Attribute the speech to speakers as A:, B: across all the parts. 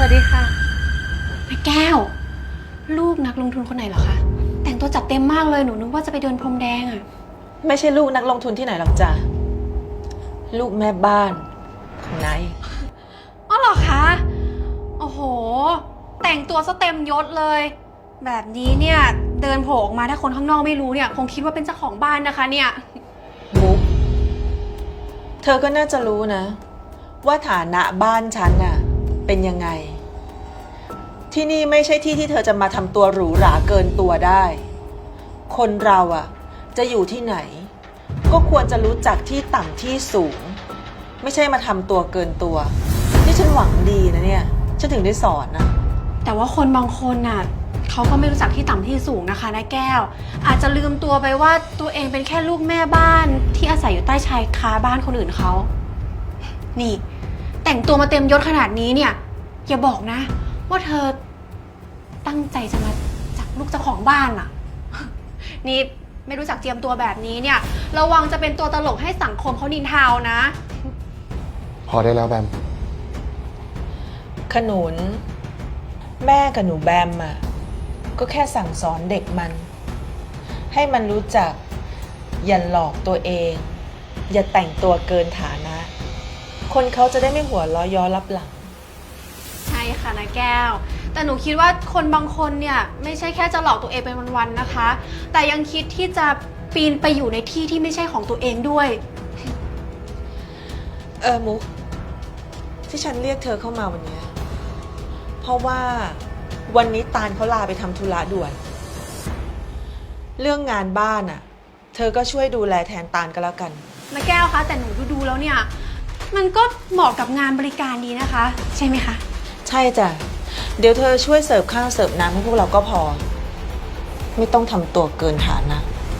A: วัสดีค่ะแม่แก้วลูกนักลงทุนคนไหนเหรอคะแต่งตัวจัดเต็มมากเลยหนูนึกว่าจะไปเดินพรมแดงอะ
B: ไม่ใช่ลูกนักลงทุนที่ไหนหรอกจ้ะลูกแม่บ้านของนาย
A: อ๋อเหรอคะโอ้โหแต่งตัวซะเต็มยศเลยแบบนี้เนี่ยเดินโผล่ออกมาถ้าคนข้างนอกไม่รู้เนี่ยคงคิดว่าเป็นเจ้าของบ้านนะคะเนี่ย
B: มุกเธอก็น่าจะรู้นะว่าฐานะบ้านฉันน่ะเป็นยังไงที่นี่ไม่ใช่ที่ที่เธอจะมาทำตัวหรูหราเกินตัวได้คนเราอะจะอยู่ที่ไหนก็ควรจะรู้จักที่ต่ำที่สูงไม่ใช่มาทำตัวเกินตัวนี่ฉันหวังดีนะเนี่ยฉันถึงได้สอนนะ
A: แต่ว่าคนบางคนน่ะเขาก็ไม่รู้จักที่ต่ำที่สูงนะคะนายแก้วอาจจะลืมตัวไปว่าตัวเองเป็นแค่ลูกแม่บ้านที่อาศัยอยู่ใต้ชายคาบ้านคนอื่นเขานี่แต่งตัวมาเต็มยศขนาดนี้เนี่ยอย่าบอกนะว่าเธอตั้งใจจะมาจับลูกเจ้าของบ้านอะ นี่ไม่รู้จักเจียมตัวแบบนี้เนี่ยระวังจะเป็นตัวตลกให้สังคมเขานินทานะ
C: พอได้แล้วแบม
B: ขนุนแม่กับหนูแบมอะก็แค่สั่งสอนเด็กมันให้มันรู้จักอย่าหลอกตัวเองอย่าแต่งตัวเกินฐานะคนเขาจะได้ไม่หัวล้อย้อรับหลัง
A: ใช่ค่ะนายแก้วแต่หนูคิดว่าคนบางคนเนี่ยไม่ใช่แค่จะหลอกตัวเองเป็นวันๆนะคะแต่ยังคิดที่จะปีนไปอยู่ในที่ที่ไม่ใช่ของตัวเองด้วย
B: มุกที่ฉันเรียกเธอเข้ามาวันนี้เพราะว่าวันนี้ตาลเขาลาไปทำธุระด่วนเรื่องงานบ้านอะเธอก็ช่วยดูแลแทนตาลก็แล้วกัน
A: นายแก้วคะแต่หนูดูแล้วเนี่ยมันก็เหมาะกับงานบริการดีนะคะใช่ไหมคะ
B: ใช่จ้ะเดี๋ยวเธอช่วยเสิร์ฟข้าวเสิร์ฟน้ำให้พวกเราก็พอไม่ต้องทำตัวเกินฐานะ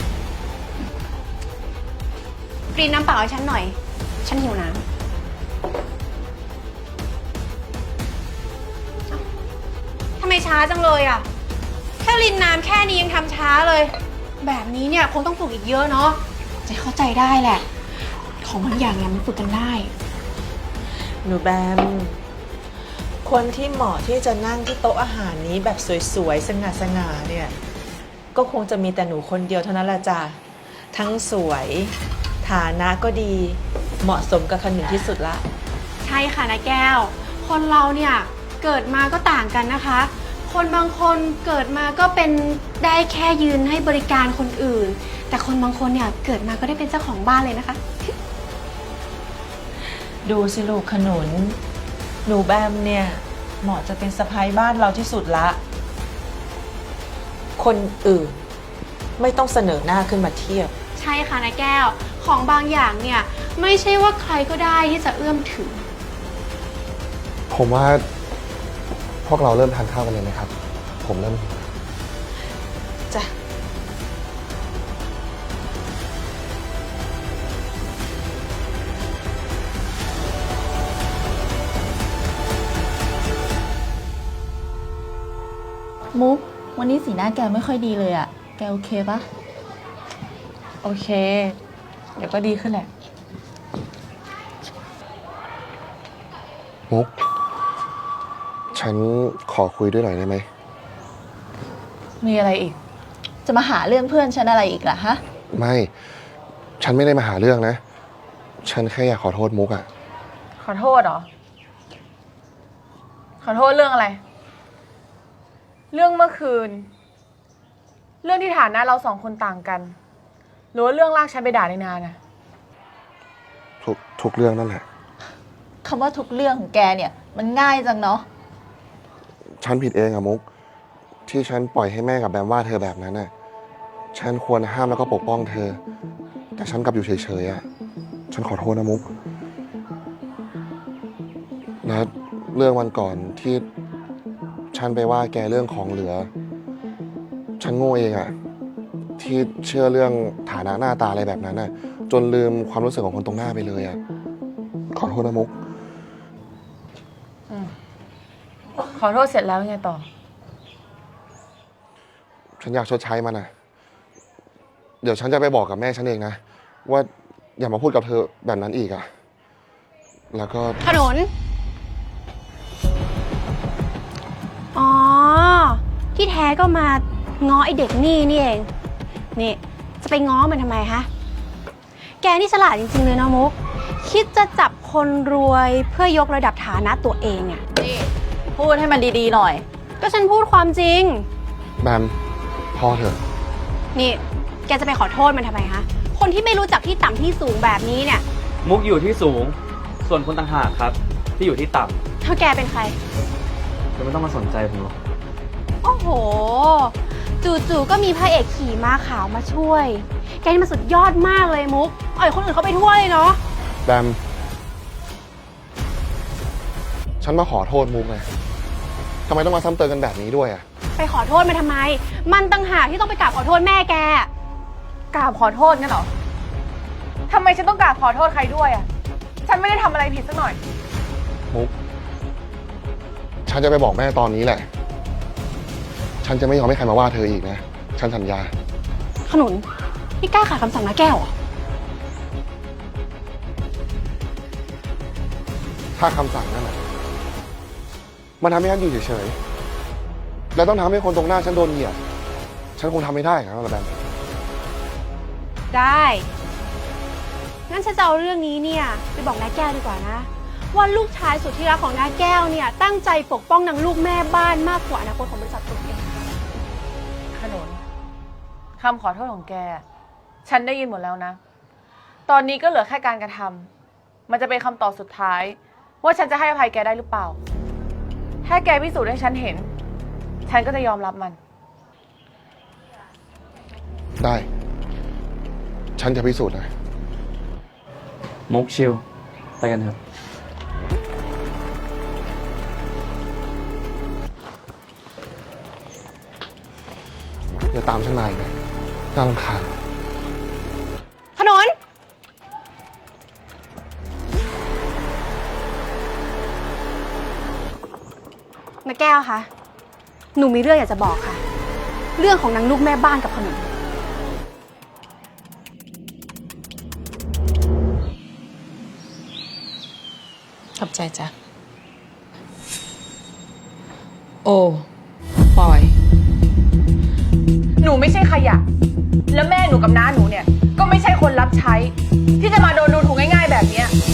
A: กรีนน้ำเปล่าให้ฉันหน่อยฉันหิวน้ำทำไมช้าจังเลยอ่ะแค่รินน้ำแค่นี้ยังทำช้าเลยแบบนี้เนี่ยคงต้องฝึกอีกเยอะเนาะจะเข้าใจได้แหละของบางอย่างเนี่ยมันฝึกกันได้
B: หนูแบมคนที่เหมาะที่จะนั่งที่โต๊ะอาหารนี้แบบสวยๆสง่าๆเนี่ยก็คงจะมีแต่หนูคนเดียวเท่านั้นแหละจ้ะทั้งสวยฐานะก็ดีเหมาะสมกับขนุนที่สุดละ
A: ใช่ค่ะนายแก้วคนเราเนี่ยเกิดมาก็ต่างกันนะคะคนบางคนเกิดมาก็เป็นได้แค่ยืนให้บริการคนอื่นแต่คนบางคนเนี่ยเกิดมาก็ได้เป็นเจ้าของบ้านเลยนะคะ
B: ดูสิลูกขนุนหนูแบมเนี่ยเหมาะจะเป็นสะใภ้บ้านเราที่สุดละคนอื่นไม่ต้องเสนอหน้าขึ้นมาเทียบ
A: ใช่ค่ะนายแก้วของบางอย่างเนี่ยไม่ใช่ว่าใครก็ได้ที่จะเอื้อมถึง
C: ผมว่าพวกเราเริ่มทานข้าวกันเลยไหมครับผมเริ่มหิว
B: จ้ะ
D: มุกวันนี้สีหน้าแกไม่ค่อยดีเลยอะแกโอเคปะ
B: โอเคเดี๋ยวก็ดีขึ้นแหละ
C: มุกฉันขอคุยด้วยหน่อยได้ไหม
D: มีอะไรอีกจะมาหาเรื่องเพื่อนฉันอะไรอีกล่ะฮะ
C: ไม่ฉันไม่ได้มาหาเรื่องนะฉันแค่อยากขอโทษมุกอะ
E: ขอโทษเหรอขอโทษเรื่องอะไรเรื่องเมื่อคืนเรื่องที่ฐานะเราสองคนต่างกันหรือว่าเรื่องลากฉันไปด่าในนานะ
C: ทุกเรื่องนั่นแหละ
D: คำว่าทุกเรื่องของแกเนี่ยมันง่ายจังเนาะ
C: ฉันผิดเองอะมุกที่ฉันปล่อยให้แม่กับแบมว่าเธอแบบนั้นน่ะฉันควรห้ามแล้วก็ปกป้องเธอแต่ฉันกลับอยู่เฉยๆอะฉันขอโทษนะมุกและเรื่องวันก่อนที่ฉันไปว่าแกเรื่องของเหลือฉันโง่เองอะที่เชื่อเรื่องฐานะหน้าตาอะไรแบบนั้นน่ะจนลืมความรู้สึกของคนตรงหน้าไปเลยอะขอโทษนะมุก
E: ขอโทษเสร็จแล้วไงต่อ
C: ฉันอยากชดใช้มันนะเดี๋ยวฉันจะไปบอกกับแม่ฉันเองนะว่าอย่ามาพูดกับเธอแบบนั้นอีกอะแล้วก็
A: ขนุนก็มาง้อไอเด็กนี่นี่เอง นี่จะไปง้อมันทำไมฮะ แกนี่ฉลาดจริงๆเลยนะมุก คิดจะจับคนรวยเพื่อยกระดับฐานะตัวเองอะ
D: นี่พูดให้มันดีๆหน่อย
A: ก็ฉันพูดความจริง
C: แบมพอเถอะ
A: นี่แกจะไปขอโทษมันทำไมฮะ คนที่ไม่รู้จักที่ต่ำที่สูงแบบนี้เนี่ย
F: มุกอยู่ที่สูง ส่วนคนต่างหากครับ ที่อยู่ที่ต่
A: เธอแกเป็นใคร
F: ำจะไม่ต้องมาสนใจผมหรอก
A: โอ้โห จู่ๆก็มีพระเอกขี่ม้าขาวมาช่วย แกนี่มันสุดยอดมากเลยมุกอ่อยคนอื่นเขาไปทั่วเลยเนาะ
C: แบม ฉันมาขอโทษมุกไงทำไมต้องมาซ้ำเติมกันแบบนี้ด้วยอ่ะ
A: ไปขอโทษมันทำไม มันต่างหากที่ต้องไปกราบขอโทษแม่แก
E: กราบขอโทษงั้นเหรอ ทำไมฉันต้องกราบขอโทษใครด้วยอ่ะ ฉันไม่ได้ทำอะไรผิดสักหน่อย
C: มุก ฉันจะไปบอกแม่ตอนนี้แหละ ฉันจะไม่ยอมให้ใครมาว่าเธออีกนะ ฉันสัญญา
A: ขนุน นี่กล้าขาดคำสั่งนะแก้วเหรอ
C: ถ้าคำสั่งนั่นแหละมันทำให้ฉันอยู่เฉยๆ แล้วต้องทำให้คนตรงหน้าฉันโดนเหยียด ฉันคงทำไม่ได้ครับแบม
A: ได้ งั้นฉันจะเอาเรื่องนี้เนี่ยไปบอกน้าแก้วดีกว่านะ ว่าลูกชายสุดที่รักของน้าแก้วเนี่ยตั้งใจปกป้องนางลูกแม่บ้านมากกว่าอนาคตของบริษัทตัวเอง
E: ขนุนคำขอโทษของแก ฉันได้ยินหมดแล้วนะ ตอนนี้ก็เหลือแค่การกระทำมันจะเป็นคำตอบสุดท้าย ว่าฉันจะให้อภัยแกได้หรือเปล่า ถ้าแกพิสูจน์ให้ฉันเห็น ฉันก็จะยอมรับมัน
C: ได้ ฉันจะพิสูจน์นะ
F: มุกชิล ไปกันเถอะ
C: อย่าตามฉันมาอีกนะน่ารำคาญ
A: ขนุน น้าแก้วคะ หนูมีเรื่องอยากจะบอกค่ะ เรื่องของนางลูกแม่บ้านกับขนุน
B: ขอบใจจ้ะ โอ้ปอย
E: หนูไม่ใช่ขยะ แล้วแม่หนูกับน้าหนูเนี่ย ก็ไม่ใช่คนรับใช้ ที่จะมาโดนดูถูกง่ายๆแบบเนี้ย